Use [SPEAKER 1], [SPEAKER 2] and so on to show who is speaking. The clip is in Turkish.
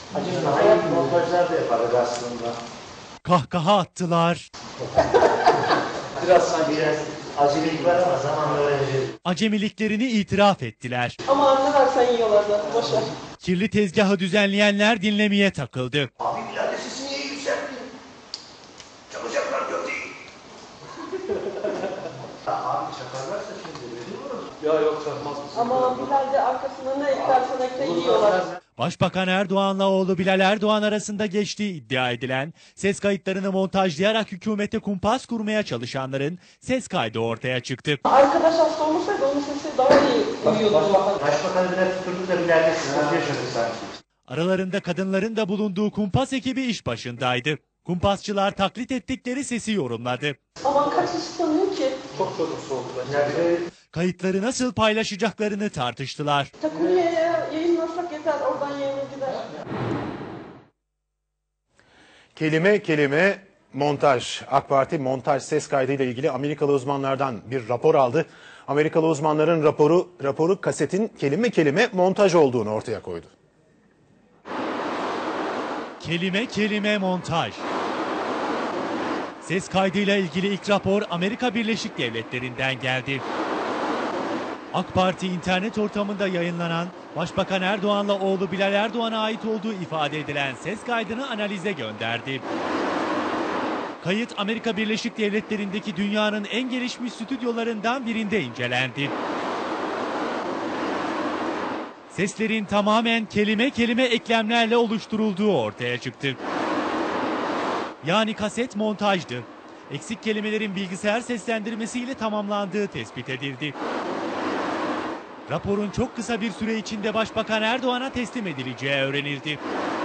[SPEAKER 1] Acaba hayat montajlar da yaparız aslında.
[SPEAKER 2] Kahkaha attılar.
[SPEAKER 1] Biraz acelelik var ama zamanla öğreneceğiz.
[SPEAKER 2] Acemiliklerini itiraf ettiler.
[SPEAKER 3] Ama ne versen yiyorlar zaten, boşver.
[SPEAKER 2] Kirli tezgahı düzenleyenler dinlemeye takıldı.
[SPEAKER 1] Abi birader sesi niye yükselttin? Çalacaklar gördüğü. Abi çakarlarsa şimdi veriyoruz.
[SPEAKER 4] Ya yok çakmaz mısın?
[SPEAKER 3] Ama Bilal de arkasına ne eklersen ekle yiyorlar.
[SPEAKER 2] Başbakan Erdoğan'la oğlu Bilal Erdoğan arasında geçtiği iddia edilen ses kayıtlarını montajlayarak hükümete kumpas kurmaya çalışanların ses kaydı ortaya çıktı.
[SPEAKER 3] Arkadaş hasta olmasaydı onun sesi daha iyi duyuyordu.
[SPEAKER 1] Başbakanı bile tuturduk da Bilal'de sıkıntı yaşadık sanki.
[SPEAKER 2] Aralarında kadınların da bulunduğu kumpas ekibi iş başındaydı. Kumpasçılar taklit ettikleri sesi yorumladı.
[SPEAKER 3] Aman kaç kişi sanıyor ki?
[SPEAKER 4] Çok sorusu oldu bence.
[SPEAKER 2] Kayıtları nasıl paylaşacaklarını tartıştılar.
[SPEAKER 3] Takunya'ya yayınlasak yeter, oradan yayına gider.
[SPEAKER 5] Kelime kelime montaj. AK Parti montaj ses kaydıyla ilgili Amerikalı uzmanlardan bir rapor aldı. Amerikalı uzmanların raporu kasetin kelime kelime montaj olduğunu ortaya koydu.
[SPEAKER 2] Kelime kelime montaj. Ses kaydıyla ilgili ilk rapor Amerika Birleşik Devletleri'nden geldi. AK Parti internet ortamında yayınlanan Başbakan Erdoğan'la oğlu Bilal Erdoğan'a ait olduğu ifade edilen ses kaydını analize gönderdi. Kayıt Amerika Birleşik Devletleri'ndeki dünyanın en gelişmiş stüdyolarından birinde incelendi. Seslerin tamamen kelime kelime eklemlerle oluşturulduğu ortaya çıktı. Yani kaset montajdı. Eksik kelimelerin bilgisayar seslendirmesiyle tamamlandığı tespit edildi. Raporun çok kısa bir süre içinde Başbakan Erdoğan'a teslim edileceği öğrenildi.